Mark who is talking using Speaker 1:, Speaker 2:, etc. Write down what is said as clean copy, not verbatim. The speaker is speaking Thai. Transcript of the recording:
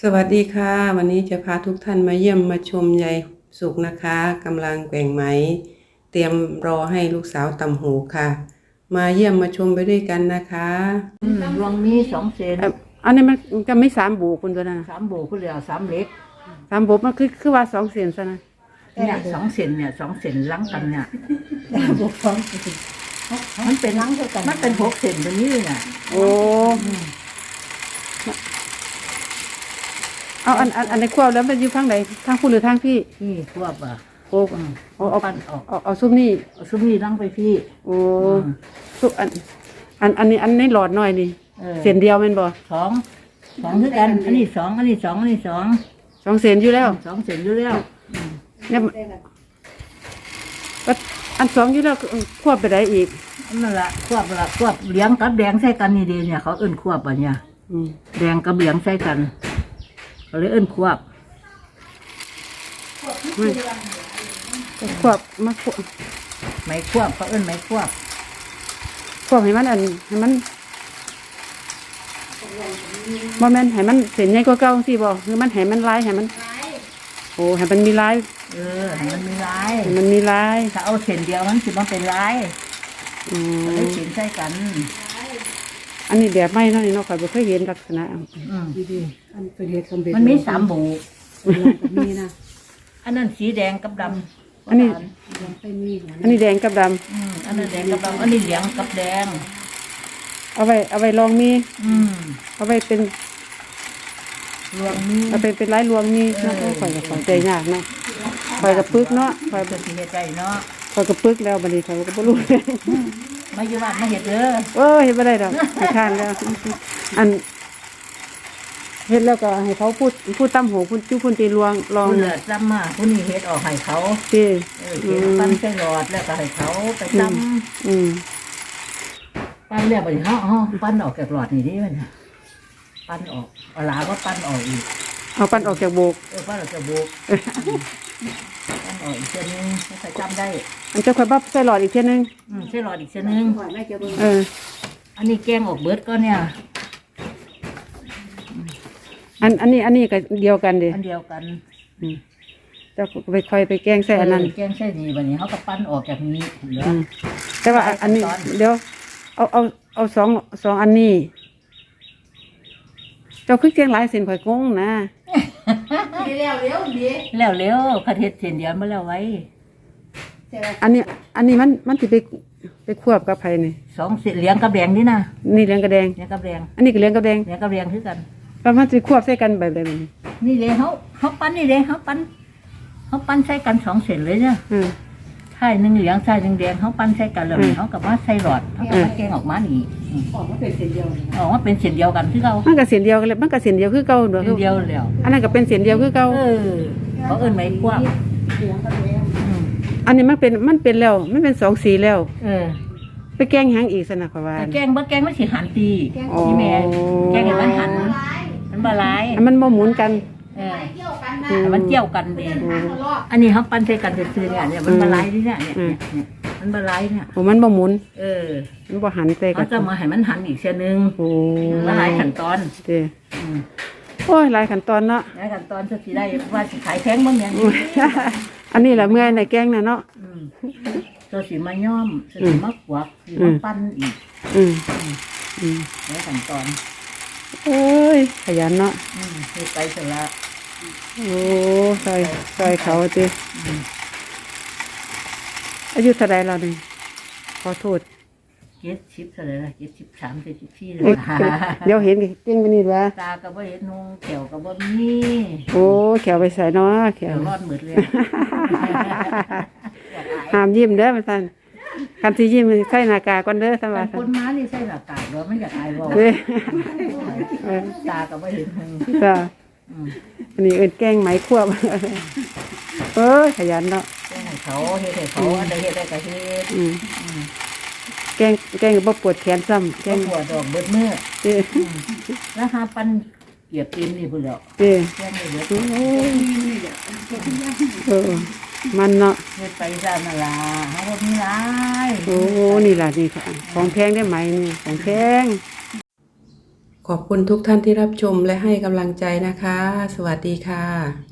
Speaker 1: สวัสดีค่ะวันนี้จะพาทุกท่านมาเยี่ยมมาชมยายสุกนะคะกำลังแกว่งไหมเตรียมรอให้ลูกสาวตำหูค่ะมาเยี่ยมมาชมไปด้วยกันนะคะ
Speaker 2: ดวงมี2 เซน
Speaker 1: อันนี้มันจะไม่3 โบคุณตัวนั้นนะ
Speaker 2: 3 โบก็เหลือ3 เล็ก
Speaker 1: 3 โบมันคือว่า2 เซนซะนะ
Speaker 2: เนี่ย2 เซนเนี่ย2 เซนล้างกันเนี่ยบวกมันเป็นล้างเท่ากันมันเป็น6 เซนตัวนี้เลยเนี่ย
Speaker 1: โอ้เอาอันในควบแล้วมันอยู่ทางไหนทางคุณหรือทางพี่
Speaker 2: นี่ควบอ่ะ
Speaker 1: โอ้เอา
Speaker 2: ปั้นออก
Speaker 1: เอาซุปนี่
Speaker 2: เอาซุปนี่ล้างไปพี่
Speaker 1: โอ้ซุปอันนี้หลอดหน่อยนี่เส้นเดียวแม่นบ่
Speaker 2: 2คือกันอันนี้2อันนี้2อันนี้
Speaker 1: 2เส้นอยู่แล้ว
Speaker 2: 2 เซนอยู่แล้ว
Speaker 1: เนี่ยอัน2อยู่แล้วควบไปได้อีก
Speaker 2: นั่นละควบเหลียงกับแดงใส่กันนี่ดีเนี่ยเขาเอิ้นควบอ่ะเนี่ยแดงกับเหลียงใส่กันเขาเลยเอิ้นควบ
Speaker 1: มา
Speaker 2: ไม้ควบเขาเอิ้นไม้ควบ
Speaker 1: ให้มันให้มันบ่แม่นให้มันเส้นใหญ่กว่าเก่าสิบ่คือมันให้มันลายให้มันโอ้ให้มันมีลาย
Speaker 2: ให้มันมีลาย
Speaker 1: ให้มันมีลาย
Speaker 2: ถ้าเอาเส้นเดียวมันสิมันเป็นลายเลยเส้นใส่กัน
Speaker 1: อันนี้แบบใหม่เนาะนี่เนาะข้อยบ่เคยเห็นลักษณะ
Speaker 2: ดีๆอันเป็นเฮ็ดสำเร็จมันมี3 โบมีนะอันนั้นสีแดงกับดำ
Speaker 1: อันนี้แดงกับด
Speaker 2: ำอันนั้นแดงกับดำอันนี้เหลืองกับแดง
Speaker 1: เอาไว้ลองมีเอาไว้เป็น
Speaker 2: รวงมี
Speaker 1: เอาเป็นลายรวงมีเนาะข่อยก็เข้าใจยากเนาะข่อยก็ปึกเนาะข่อย
Speaker 2: ก็สิเฮ็ดได้เนาะ
Speaker 1: ข่อยก็ปึกแล้วบัดนี้ข่อยก็บ่รู้
Speaker 2: มาอยู่บ้านมาเฮ็ดเด้อ
Speaker 1: เฮ็ดบ่ได้ดอกขี้คร้านแล้วอันเฮ็ดแล้วก็ให้เขาพูดตำหูพูดจุพูดตีลอง
Speaker 2: เหลือจำมาผู้นี้เฮ็ดออกให้เขา
Speaker 1: สิ
Speaker 2: เฮ็ดปั้นใส่หลอดแล้วก็ให้เขาไปจำปั้นแล้วบัดนี้เฮาปั้นออกจากหลอดนี่ดิมันปั้นออกเอาลาก็ปั้นออกอีก
Speaker 1: เอาปั้นออกจากโบก
Speaker 2: ปั้นออกจากโบกปั้นออกอีกเส้นนึงให้จำได้
Speaker 1: อันจะค่อยบับใส่หลอดอีกเส้นนึง
Speaker 2: ใส่หลอดอีกเส้นนึงอันนี้แกงออกเบิดก็เนี่ย
Speaker 1: อันนี้ก็เดียวกันดิ
Speaker 2: อันเดียวกัน
Speaker 1: จะไปค่อยไปแกงใส่อันนั้น
Speaker 2: แกงใส่นี่วันนี้เขาก็ปั้นออกจากนี้
Speaker 1: แต่ว่าอันนี้เดี๋ยวเอาสองอันนี้เจ้าคือแกงหลายเส้นข่อยงงนะ
Speaker 2: แล้วเร็วคันเฮ็ดเส้นเดียวมาแล้วไว้
Speaker 1: อันนี้มันสิไปควบกับไผนี่
Speaker 2: 2 เส้นเหลืองกับแดงนี่นะ
Speaker 1: นี่เหลืองกับแดงอันนี้ก็เหลืองกับแดง
Speaker 2: คือกัน
Speaker 1: แล้วมันสิควบใส่กันแบบใดแบบนี้
Speaker 2: นี่เลยเขาปั้นนี่เลยเขาปั้นใส่กัน2 เส้นเลยเนี่ยใช่1 เหลืองใช่1 แดงเขาปั้นใส่กันแล้วเขากับว่าใส่หลอดเขาก็แกงออกมานี่ออกมาเป็นเส้นเดียวกันคือเก่า
Speaker 1: มันก็เส้นเดียวกันเลยมันก็เส้นเดียวคือเก่าเด้อ
Speaker 2: เดียวแล้ว
Speaker 1: อันนั้นก็เป็นเส้นเดียวคือเก่า
Speaker 2: เขาเอิ้นไม้ควบ
Speaker 1: อันนี้มันเป็นแล้วมันเป็น2 สีแล้วไปแกงหยังอีกซะนะข่อยว่า
Speaker 2: แกงมันสิหันตีที่แม่แกงให้มันหันมันบ่หลาย
Speaker 1: มันบ่หมุนกัน
Speaker 2: มันเกี่ยวกันดีอันนี้เขาปั้นใส่กันซื่อๆเนี่ยมันบ่หลายนี่เนี่ยมันบ่หลายเนี่ย
Speaker 1: โอ้มันบ่หมุนมันบ่หันใส่กัน
Speaker 2: เขาจะมาให้มันหันอีกเส้นนึงมันหลายขั้นตอน
Speaker 1: โอ้ยหลายขั้นตอนเนาะ
Speaker 2: หลายขั้นตอนสิได้ว่าสิขายแพงบ่เนี่ย
Speaker 1: อันนี้แหละเมื่อยในแกงน่ะเนาะ
Speaker 2: ตัวสีมาย่อมสีมะกวักสีมะปั้นอีกแล้วขั้นตอน
Speaker 1: เอ้ยขยันเนาะ
Speaker 2: ไปเสร็จละ
Speaker 1: โอ้ซอยเขาจิอายุเท่าไรเราเนี่ยขอโทษ
Speaker 2: 70เท่าไรล่ะ73 74เลย
Speaker 1: เดี๋ยวเห็นเก่งไปนี่วะ
Speaker 2: ตาก็บ่เห็นนุ่งแขวก็บ่มี
Speaker 1: โอ้แขวไปใส่เนาะแขว
Speaker 2: รอดหมดเลย
Speaker 1: ห้ามยิ้มเด้อมาสั่นคันที่ยิ้มใส่หน้ากากก่อนเด้อสวัสดิ์
Speaker 2: คนม้านี่ใส่หน้ากากแล้วไม่อยากอายว่าตาก็บ่เห็น
Speaker 1: จ้าอันนี้แกงไหมควบขยันเนาะ
Speaker 2: แกงให้เขาเฮ็ดให้เขาอันใดเฮ็ดได้ก็เฮ็ด
Speaker 1: แกงบ่ปวดแขนซ้ำ
Speaker 2: แกงปวดดอกเบิดมื้อแล้วหาปั้นเกียบตีนนี่พุ่นแล้วแกงให้เบิด
Speaker 1: มันเนาะ
Speaker 2: เฮ็ดไปซะนั่นล่ะเฮาบ่มีหลาย
Speaker 1: โอ้นี่ล่ะนี่ค่ะของแพงได้ไหมนี่ของแพงขขอบคุณทุกท่านที่รับชมและให้กำลังใจนะคะ สวัสดีค่ะ